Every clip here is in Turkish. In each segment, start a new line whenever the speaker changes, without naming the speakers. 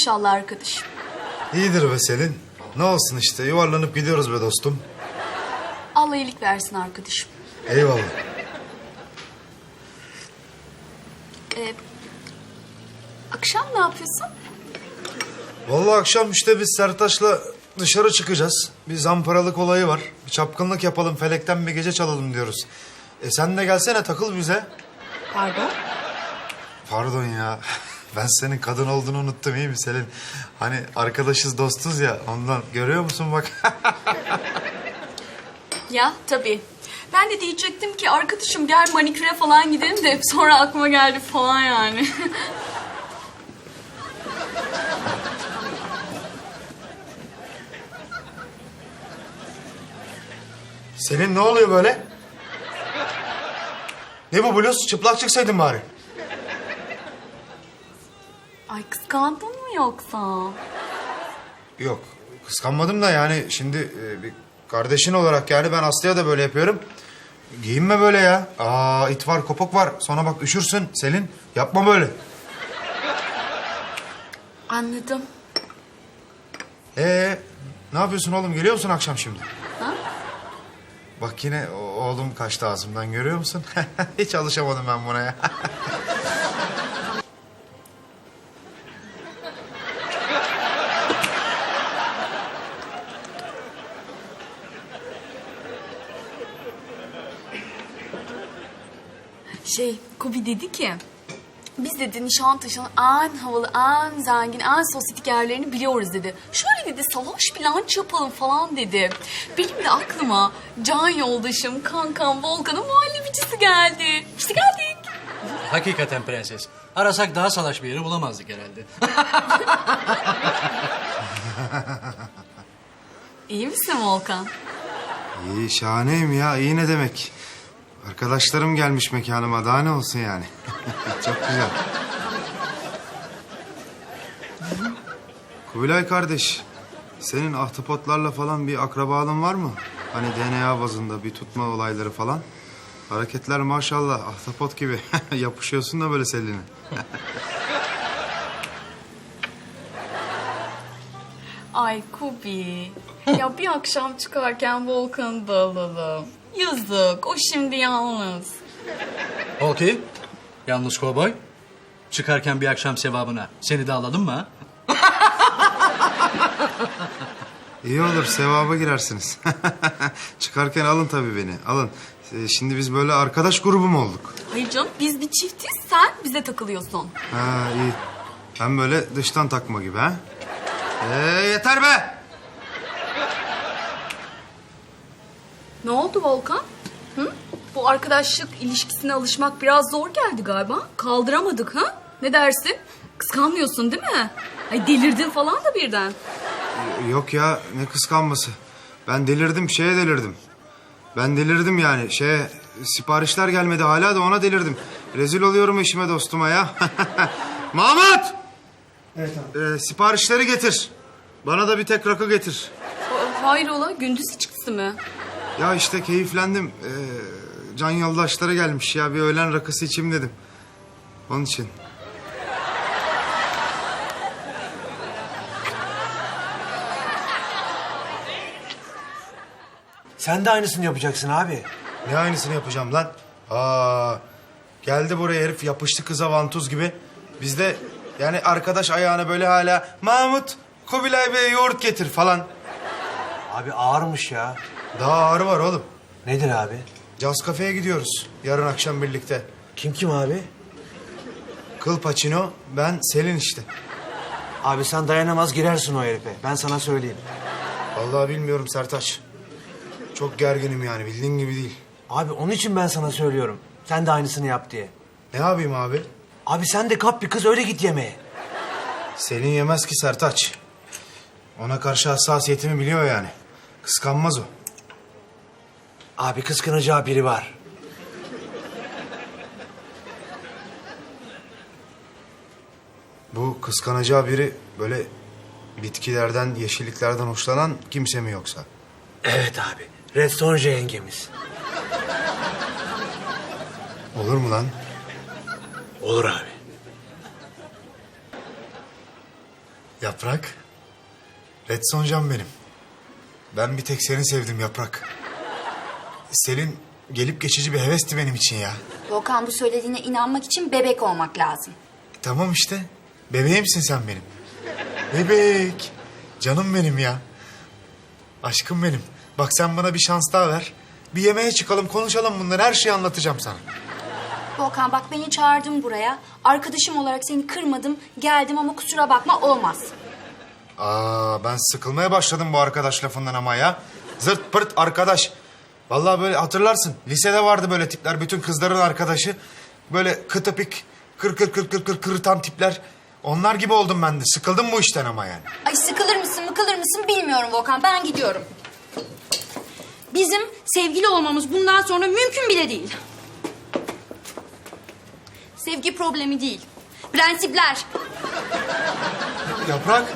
inşallah arkadaşım.
İyidir be Selin. Ne olsun işte yuvarlanıp gidiyoruz be dostum.
Allah iyilik versin arkadaşım.
Eyvallah.
Akşam ne yapıyorsun?
Vallahi akşam işte biz Sertaç'la dışarı çıkacağız. Bir zamparalık olayı var. Bir çapkınlık yapalım, felekten bir gece çalalım diyoruz. Sen de gelsene takıl bize.
Pardon?
Pardon ya. Ben senin kadın olduğunu unuttum iyi mi Selin? Hani arkadaşız dostuz ya ondan. Görüyor musun bak.
Ya tabii. Ben de diyecektim ki arkadaşım gel maniküre falan gidelim de sonra aklıma geldi falan yani.
Selin ne oluyor böyle? Ne bu bluz? Çıplak çıksaydın bari.
Ay kıskandın mı yoksa?
Yok kıskanmadım da yani şimdi bir kardeşin olarak yani ben Aslı'ya da böyle yapıyorum. Giyinme böyle ya. Aa it var kopuk var. Sonra bak üşürsün Selin. Yapma böyle.
Anladım.
Ne yapıyorsun oğlum? Geliyor musun akşam şimdi?
Ha?
Bak yine oğlum kaçtı ağzımdan görüyor musun? Hiç alışamadım ben buna ya.
Kubi dedi ki... Biz dedi Nişantaşı'nın en havalı, en zengin, en sosyetik yerlerini biliyoruz dedi. Şöyle dedi salaş bir lunch yapalım falan dedi. Benim de aklıma can yoldaşım, kankam Volkan'ın muhallebicisi geldi. İşte geldik.
Hakikaten prenses. Arasak daha salaş bir yeri bulamazdık herhalde.
İyi misin Volkan?
İyi şahaneyim ya. İyi ne demek? Arkadaşlarım gelmiş mekanıma. Daha ne olsun yani? Çok güzel. Kubilay kardeş, senin ahtapotlarla falan bir akrabalığın var mı? Hani DNA bazında bir tutma olayları falan. Hareketler maşallah ahtapot gibi. Yapışıyorsun da böyle Selin'e.
Ay Kubi. Ya bir akşam çıkarken Volkan'ı da alalım. Yazık. O şimdi yalnız.
Okey. Yalnız kovboy. Çıkarken bir akşam sevabına seni de alalım mı ha?
İyi olur sevaba girersiniz. Çıkarken alın tabii beni alın. Şimdi biz böyle arkadaş grubu mu olduk?
Hayır canım biz bir çiftiz. Sen bize takılıyorsun.
Ha iyi. Ben böyle dıştan takma gibi ha. Yeter be!
Ne oldu Volkan? Hı? Bu arkadaşlık ilişkisine alışmak biraz zor geldi galiba. Kaldıramadık ha? Ne dersin? Kıskanmıyorsun değil mi? Ay delirdin falan da birden.
Yok ya ne kıskanması. Ben delirdim şeye delirdim. Ben delirdim yani siparişler gelmedi hala da ona delirdim. Rezil oluyorum eşime dostuma ya. Mahmut! Evet abi. Siparişleri getir. Bana da bir tek rakı getir.
Hayrola gündüz içkisi mi?
Ya işte keyiflendim. Can yoldaşları gelmiş ya bir öğlen rakısı içeyim dedim. Onun için.
Sen de aynısını yapacaksın abi.
Ne aynısını yapacağım lan? Geldi buraya herif yapıştı kıza vantuz gibi. Biz de yani arkadaş ayağına böyle hala Mahmut Kubilay Bey'e yoğurt getir falan.
Abi ağırmış ya.
Daha ağrı var oğlum.
Nedir abi?
Caz kafeye gidiyoruz yarın akşam birlikte.
Kim abi?
Kıl Pacino ben Selin işte.
Abi sen dayanamaz girersin o herife. Ben sana söyleyeyim.
Vallahi bilmiyorum Sertaç. Çok gerginim yani bildiğin gibi değil.
Abi onun için ben sana söylüyorum. Sen de aynısını yap diye.
Ne yapayım abi?
Abi sen de kap bir kız öyle git yemeğe.
Selin yemez ki Sertaç. Ona karşı hassasiyetimi biliyor yani. Kıskanmaz o.
Abi kıskanacağı biri var.
Bu kıskanacağı biri böyle bitkilerden, yeşilliklerden hoşlanan kimse mi yoksa?
Evet abi. Restonje yengemiz.
Olur mu lan?
Olur abi.
Yaprak. Red Soncan benim. Ben bir tek seni sevdim Yaprak. Selin gelip geçici bir hevesti benim için ya.
Volkan bu söylediğine inanmak için bebek olmak lazım.
Tamam işte. Bebeğimsin sen benim. Bebek. Canım benim ya. Aşkım benim. Bak sen bana bir şans daha ver. Bir yemeğe çıkalım, konuşalım bunları. Her şeyi anlatacağım sana.
Volkan bak beni çağırdın buraya. Arkadaşım olarak seni kırmadım, geldim ama kusura bakma olmaz.
Ben sıkılmaya başladım bu arkadaş lafından ama ya. Zırt pırt arkadaş. Vallahi böyle hatırlarsın. Lisede vardı böyle tipler. Bütün kızların arkadaşı. Böyle kıtıpik, kırıtan tipler. Onlar gibi oldum ben de. Sıkıldım bu işten ama yani.
Ay sıkılır mısın bilmiyorum Volkan. Ben gidiyorum. Bizim sevgili olmamız bundan sonra mümkün bile değil. Sevgi problemi değil. Prensipler.
Yaprak.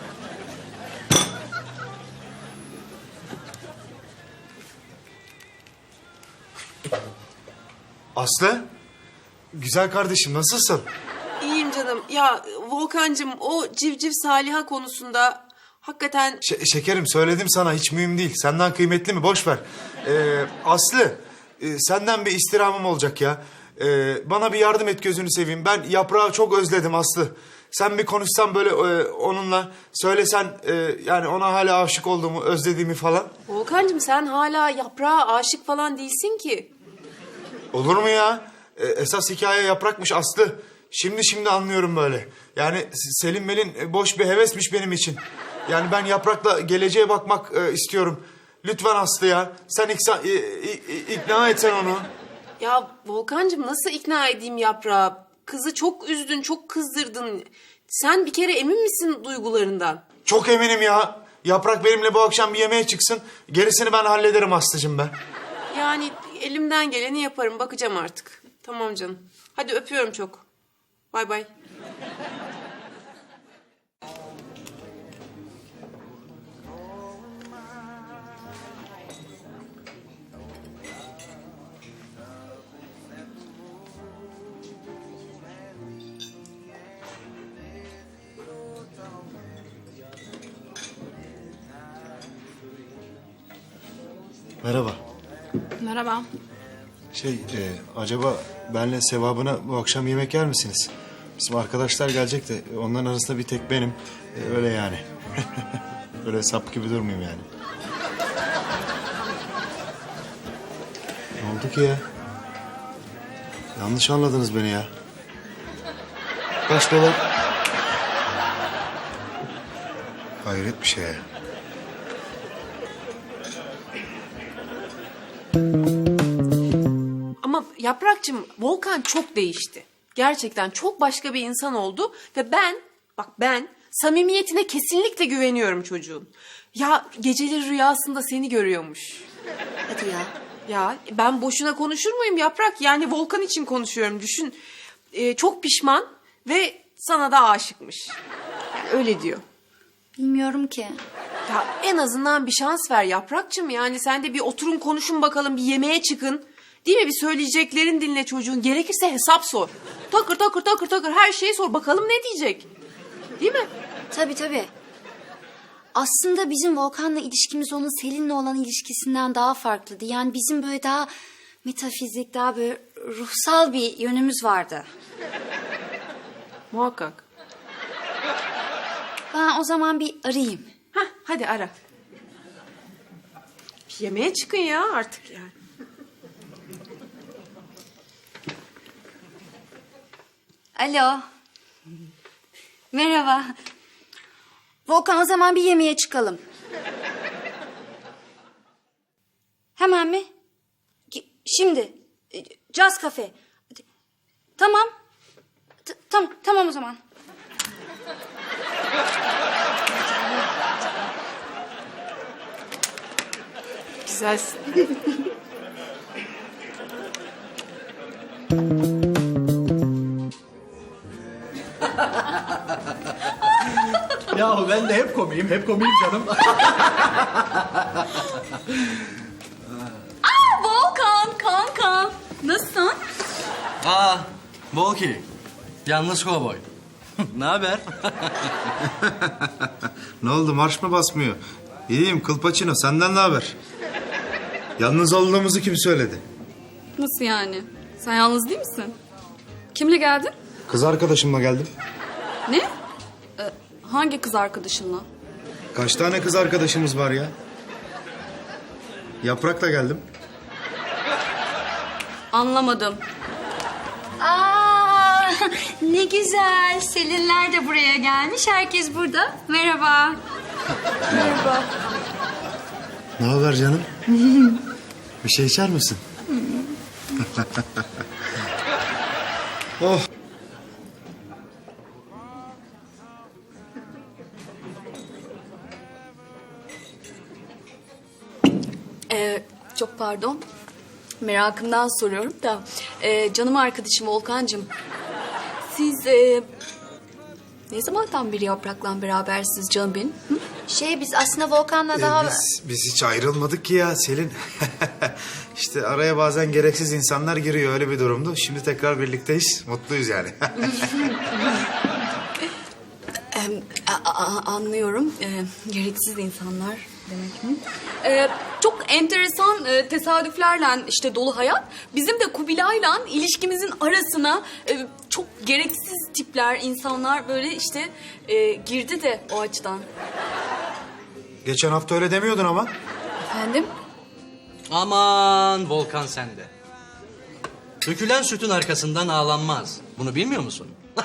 Aslı. Güzel kardeşim nasılsın?
İyiyim canım. Ya Volkancığım o civciv Saliha konusunda hakikaten...
Şekerim söyledim sana hiç mühim değil. Senden kıymetli mi? Boş ver. Aslı senden bir istirhamım olacak ya. Bana bir yardım et gözünü seveyim. Ben Yaprağı çok özledim Aslı. Sen bir konuşsan böyle onunla söylesen yani ona hala aşık olduğumu, özlediğimi falan.
Volkancığım sen hala yaprağa aşık falan değilsin ki.
Olur mu ya? Esas hikaye Yaprak'mış Aslı. Şimdi anlıyorum böyle. Yani Selim Melin boş bir hevesmiş benim için. Yani ben Yaprak'la geleceğe bakmak istiyorum. Lütfen Aslı ya. Sen ikna etsen onu.
Ya Volkancığım nasıl ikna edeyim yaprağı? Kızı çok üzdün, çok kızdırdın. Sen bir kere emin misin duygularından?
Çok eminim ya. Yaprak benimle bu akşam bir yemeğe çıksın. Gerisini ben hallederim Aslı'cığım ben.
Yani elimden geleni yaparım. Bakacağım artık. Tamam canım. Hadi öpüyorum çok. Bay bay.
Merhaba.
Merhaba.
Acaba benle sevabına bu akşam yemek yer misiniz? Bizim arkadaşlar gelecek de onların arasında bir tek benim. Öyle yani. Öyle sap gibi durmayayım yani. Ne oldu ki ya? Yanlış anladınız beni ya. Kaç dolar? Hayret bir şey ya.
Ama Yaprakçığım Volkan çok değişti. Gerçekten çok başka bir insan oldu ve ben samimiyetine kesinlikle güveniyorum çocuğun. Ya geceleri rüyasında seni görüyormuş.
Hadi ya.
Ya ben boşuna konuşur muyum Yaprak? Yani Volkan için konuşuyorum düşün. Çok pişman ve sana da aşıkmış. Yani öyle diyor.
Bilmiyorum ki.
Ya en azından bir şans ver Yaprakçığım. Yani sen de bir oturun konuşun bakalım, bir yemeğe çıkın. Değil mi? Bir söyleyeceklerin dinle çocuğun. Gerekirse hesap sor. Takır her şeyi sor. Bakalım ne diyecek. Değil mi?
Tabii. Aslında bizim Volkan'la ilişkimiz onun Selin'le olan ilişkisinden daha farklıydı. Yani bizim böyle daha metafizik, daha böyle ruhsal bir yönümüz vardı.
Muhakkak.
Ben o zaman bir arayayım.
Hah, hadi ara. Bir yemeğe çıkın ya artık yani.
Alo. Merhaba. Volkan o zaman bir yemeğe çıkalım. Hemen mi? Şimdi. Caz kafe. Tamam. Tamam o zaman.
Güzelsin.
Ya ben de hep komiyim canım.
Volkan, kankam. Nasılsın?
Volki, yalnız kovboy. Ne haber?
Ne oldu, marş mı basmıyor? İyiyim Kılpaçino, senden ne haber? Yalnız olduğumuzu kim söyledi?
Nasıl yani? Sen yalnız değil misin? Kimle geldin?
Kız arkadaşımla geldim.
Ne? Hangi kız arkadaşınla?
Kaç tane kız arkadaşımız var ya? Yaprak'la geldim.
Anlamadım.
Aa, ne güzel. Selinler de buraya gelmiş. Herkes burada. Merhaba. Merhaba.
Ne haber canım? Bir şey içer misin? Oh.
Çok pardon. Merakımdan soruyorum da. Canım arkadaşım Volkan'cığım. Siz ne zamandan beri Yaprak'la berabersiniz canım benim? Hı?
Biz aslında Volkan'la daha...
Biz hiç ayrılmadık ki ya Selin. İşte araya bazen gereksiz insanlar giriyor, öyle bir durumdu. Şimdi tekrar birlikteyiz, mutluyuz yani.
Anlıyorum. Gereksiz insanlar demek mi? Çok enteresan tesadüflerle işte dolu hayat. Bizim de Kubilay'la ilişkimizin arasına çok gereksiz tipler, insanlar böyle işte girdi de o açıdan.
Geçen hafta öyle demiyordun ama.
Efendim?
Aman Volkan sende. Dökülen sütün arkasından ağlanmaz. Bunu bilmiyor musun?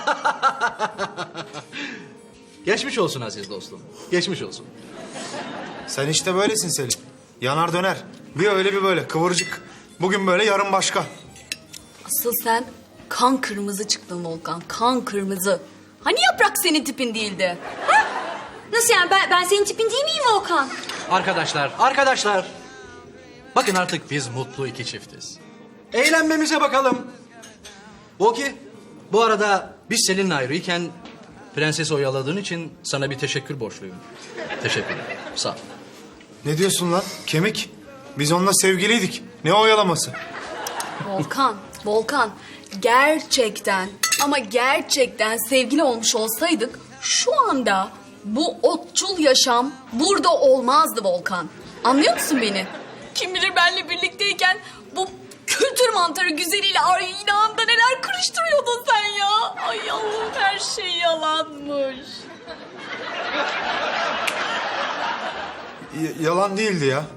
Geçmiş olsun aziz dostum. Geçmiş olsun.
Sen işte böylesin Selin. Yanar döner. Bir öyle bir böyle, kıvırcık. Bugün böyle, yarın başka.
Asıl sen kan kırmızı çıktın Volkan. Kan kırmızı. Hani Yaprak senin tipin değildi?
Nasıl yani? Ben senin tipin değil miyim Volkan?
Arkadaşlar. Bakın artık biz mutlu iki çiftiz. Eğlenmemize bakalım. Volki, bu arada biz Selin'le ayrıyken prensesi oyaladığın için sana bir teşekkür borçluyum. Teşekkürler. Sağ ol.
Ne diyorsun lan? Kemik. Biz onunla sevgiliydik. Ne oyalaması?
Volkan. Gerçekten ama gerçekten sevgili olmuş olsaydık şu anda bu otçul yaşam burada olmazdı Volkan. Anlıyor musun beni? Kim bilir benle birlikteyken bu kültür mantarı güzeliyle aynı neler karıştırıyordun sen ya. Ay Allah'ım, her şey yalanmış.
Yalan değildi ya.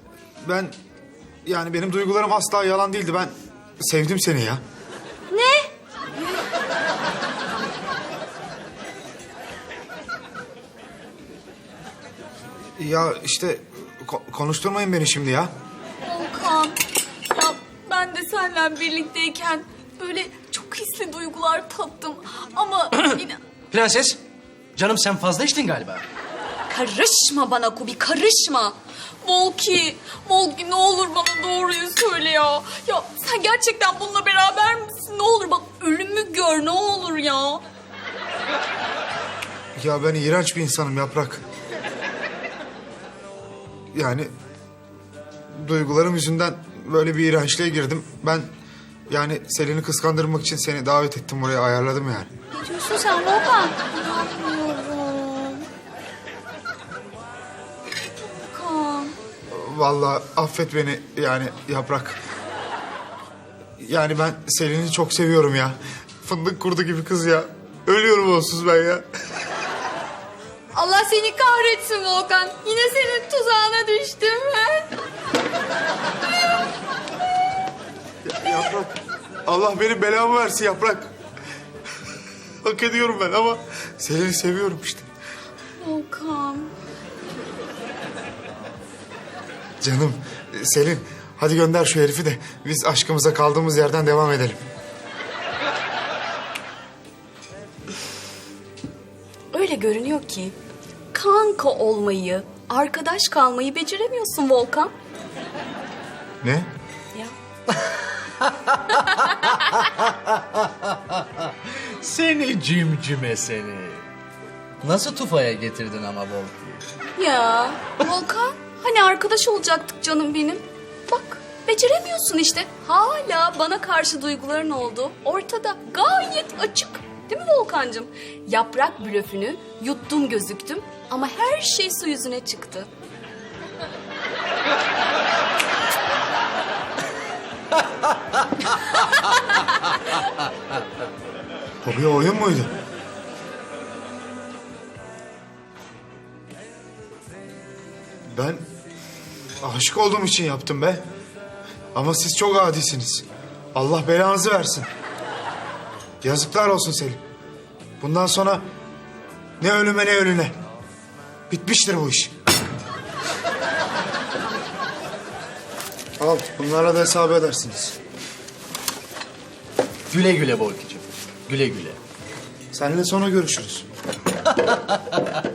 Benim duygularım asla yalan değildi. Ben sevdim seni ya.
Ne?
Ya işte konuşturmayın beni şimdi ya.
Volkan, ya ben de seninle birlikteyken böyle çok hisli duygular tattım. Ama yine...
Prenses, canım sen fazla içtin galiba.
Karışma bana Kubi, karışma. Volki ne olur bana doğruyu söyle ya. Ya sen gerçekten bununla beraber misin? Ne olur bak, ölümü gör ne olur ya.
Ya ben iğrenç bir insanım Yaprak. Yani duygularım yüzünden böyle bir iğrençliğe girdim. Ben Selin'i kıskandırmak için seni davet ettim buraya, ayarladım yani.
Ne diyorsun sen Volkan?
Volkan.
Vallahi affet beni Yaprak. Ben Selin'i çok seviyorum ya. Fındık kurdu gibi kız ya. Ölüyorum onsuz ben ya.
Allah seni kahretsin Volkan. Yine senin tuzağına düştüm ben.
Yaprak. Allah benim belamı versin Yaprak. Hak ediyorum ben ama Selin'i seviyorum işte.
Volkan.
Canım Selin, hadi gönder şu herifi de biz aşkımıza kaldığımız yerden devam edelim.
Öyle görünüyor ki kanka olmayı, arkadaş kalmayı beceremiyorsun Volkan.
Ne?
Ya.
Seni cimcime seni. Nasıl tufaya getirdin ama Volki?
Ya Volkan, hani arkadaş olacaktık canım benim. Bak beceremiyorsun işte. Hala bana karşı duyguların oldu. Ortada, gayet açık. Değil mi Volkan'cığım? Yaprak blöfünü yuttum gözüktüm ama her şey su yüzüne çıktı.
O bir oyun muydu? Ben aşık olduğum için yaptım be. Ama siz çok adisiniz. Allah belanızı versin. Yazıklar olsun Selim. Bundan sonra ne ölüme ne ölüne. Bitmiştir bu iş. Al, bunlara da hesap edersiniz.
Güle güle Volki'cim. Güle güle.
Seninle sonra görüşürüz.